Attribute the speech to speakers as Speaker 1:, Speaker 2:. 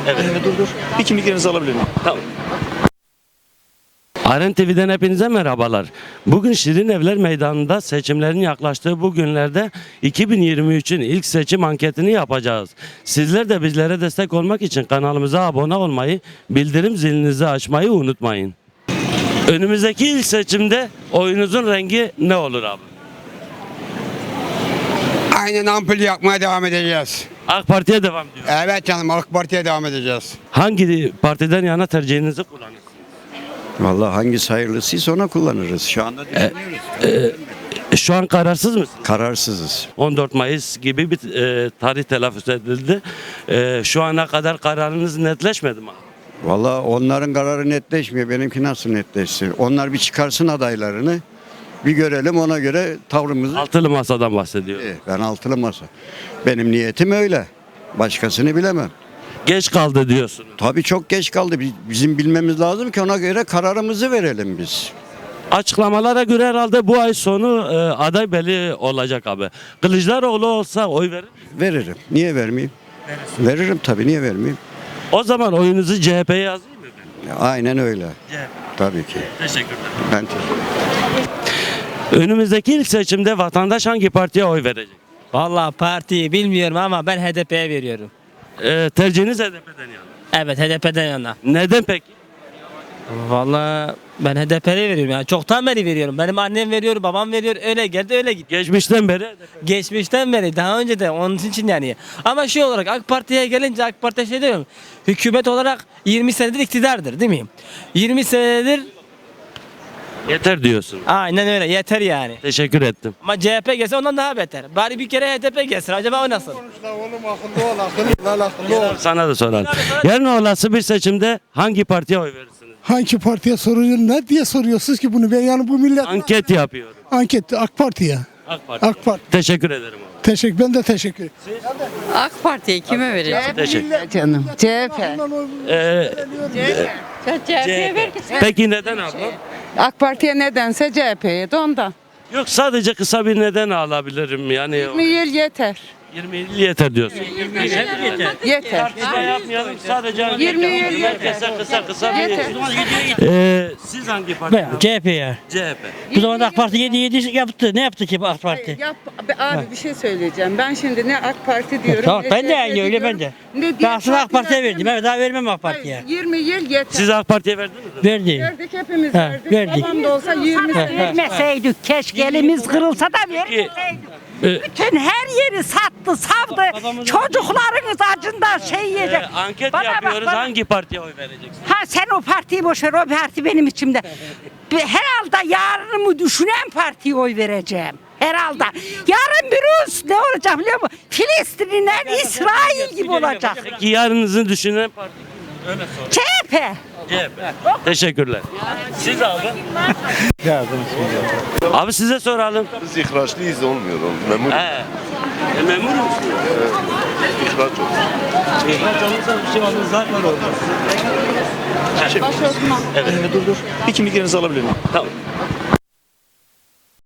Speaker 1: Evet.
Speaker 2: Dur. Bir kimliklerinizi alabilir miyim?
Speaker 1: Tamam. Aren TV'den hepinize merhabalar. Bugün Şirin Evler Meydanı'nda seçimlerin yaklaştığı bu günlerde 2023'ün ilk seçim anketini yapacağız. Sizler de bizlere destek olmak için kanalımıza abone olmayı, bildirim zilinizi açmayı unutmayın. Önümüzdeki ilk seçimde oyunuzun rengi ne olur abi?
Speaker 3: Aynen ampul yakmaya devam edeceğiz.
Speaker 1: AK Parti'ye devam diyor.
Speaker 3: Evet canım, AK Parti'ye devam edeceğiz.
Speaker 1: Hangi partiden yana tercihinizi kullanırsınız?
Speaker 4: Vallahi hangisi hayırlısıysa ona kullanırız. Şu anda düşünüyoruz.
Speaker 1: Şu an kararsız mısınız?
Speaker 4: Kararsızız.
Speaker 1: 14 Mayıs gibi bir tarih telaffuz edildi. Şu ana kadar kararınız netleşmedi mi?
Speaker 4: Vallahi onların kararı netleşmiyor. Benimki nasıl netleşsin? Onlar bir çıkarsın adaylarını. Bir görelim, ona göre tavrımızı.
Speaker 1: Altılı masadan bahsediyor.
Speaker 4: Ben altılı masa. Benim niyetim öyle. Başkasını bilemem.
Speaker 1: Geç kaldı diyorsunuz.
Speaker 4: Tabii çok geç kaldı. Bizim bilmemiz lazım ki ona göre kararımızı verelim biz.
Speaker 1: Açıklamalara göre herhalde bu ay sonu aday belli olacak abi. Kılıçdaroğlu olsa oy verir misiniz?
Speaker 4: Veririm. Niye vermeyeyim? Veririm tabii. Niye vermeyeyim?
Speaker 1: O zaman oyunuzu CHP'ye yazayım mı ben?
Speaker 4: Aynen öyle.
Speaker 1: CHP.
Speaker 4: Tabii ki.
Speaker 1: Teşekkürler.
Speaker 4: Ben teşekkür ederim.
Speaker 1: Önümüzdeki ilk seçimde vatandaş hangi partiye oy verecek?
Speaker 5: Vallahi partiyi bilmiyorum ama ben HDP'ye veriyorum.
Speaker 1: Tercihiniz HDP'den yana.
Speaker 5: Evet, HDP'den yana.
Speaker 1: Neden peki?
Speaker 5: Vallahi ben HDP'ye veriyorum yani. Çoktan beri veriyorum. Benim annem veriyor, babam veriyor. Öyle geldi, öyle gitti.
Speaker 1: Geçmişten beri HDP.
Speaker 5: Geçmişten beri, daha önce de onun için yani. Ama şey olarak AK Parti'ye gelince AK Parti'ye şey diyorum. Hükümet olarak 20 senedir iktidardır değil mi? 20 senedir
Speaker 1: Yeter diyorsun.
Speaker 5: aynen öyle yeter yani.
Speaker 1: Teşekkür ettim.
Speaker 5: Ama CHP gelse ondan daha beter. Bari bir kere HDP gelsin. Acaba o nasıl?
Speaker 1: Sana da soralım. Yarın olası bir seçimde hangi partiye oy verirsiniz?
Speaker 6: Hangi partiye soruyorsun? Ne diye soruyorsunuz ki bunu? Ben yani bu millet
Speaker 1: Anket yapıyorum.
Speaker 6: anket AK Parti'ye.
Speaker 1: AK Parti.
Speaker 6: AK Parti.
Speaker 1: Teşekkür ederim abi.
Speaker 6: Ben de teşekkür ederim.
Speaker 7: AK Parti'ye kime vereceğim?
Speaker 1: Teşekkür.
Speaker 7: Canım. CHP.
Speaker 1: CHP. Peki neden abla?
Speaker 7: AK Parti'ye nedense CHP'ye de ondan.
Speaker 1: Yok sadece kısa bir neden alabilirim yani.
Speaker 7: 20 yıl yeter.
Speaker 1: 20 yıl yeter diyorsun.
Speaker 7: Yeter.
Speaker 1: Tartışma yapmayalım sadece.
Speaker 7: 20 yıl
Speaker 1: Herkese kısa bir.
Speaker 7: Yeter.
Speaker 1: Siz hangi parti?
Speaker 8: CHP'ye.
Speaker 1: CHP.
Speaker 8: Bu zamanda AK Parti 7 yaptı. Ne yaptı ki bu AK Parti?
Speaker 7: Abi bir şey söyleyeceğim. Ben şimdi ne AK Parti diyorum.
Speaker 8: Tamam,
Speaker 7: ne
Speaker 8: ben de
Speaker 7: CHP
Speaker 8: aynı öyle
Speaker 7: diyorum,
Speaker 8: ben de.
Speaker 7: ne
Speaker 8: Ben
Speaker 7: diğer
Speaker 8: aslında AK Parti'ye
Speaker 7: partiler-
Speaker 8: verdim. Evet, daha vermem AK Parti'ye.
Speaker 7: Hayır, 20 yıl yeter.
Speaker 1: Siz AK Parti'ye verdiniz mi?
Speaker 8: Verdi.
Speaker 7: Verdik hepimiz
Speaker 8: Ha,
Speaker 7: verdik.
Speaker 8: verdik.
Speaker 7: Babam da olsa 20 sene.
Speaker 9: Vermeseydik keşke elimiz kırılsa da vermeseydik. Bütün her yeri sattı, savdı. Çocuklarınız acından şey yiyecek.
Speaker 1: Anket
Speaker 9: Bana bak,
Speaker 1: yapıyoruz.
Speaker 9: bana.
Speaker 1: Hangi partiye oy vereceksiniz?
Speaker 9: Ha sen o partiyi boş ver, o parti benim içimde. Herhalde yarınımı düşünen partiye oy vereceğim. Herhalde. Yarın bir ne olacak biliyor musun? Filistin'le İsrail gibi olacak.
Speaker 1: Peki yarınızı düşünen parti kim? Öyle sor.
Speaker 9: CHP.
Speaker 1: CHP. Teşekkürler. Siz abi? Abi size soralım.
Speaker 10: Biz ihraçlıyız olmuyor. Memur
Speaker 1: Memur musunuz?
Speaker 10: ihraç olur.
Speaker 1: İhraç olursa bir şey olmaz zaten olmaz.
Speaker 2: Dur. Bir kimliklerinizi alabilir miyim?
Speaker 1: Tamam.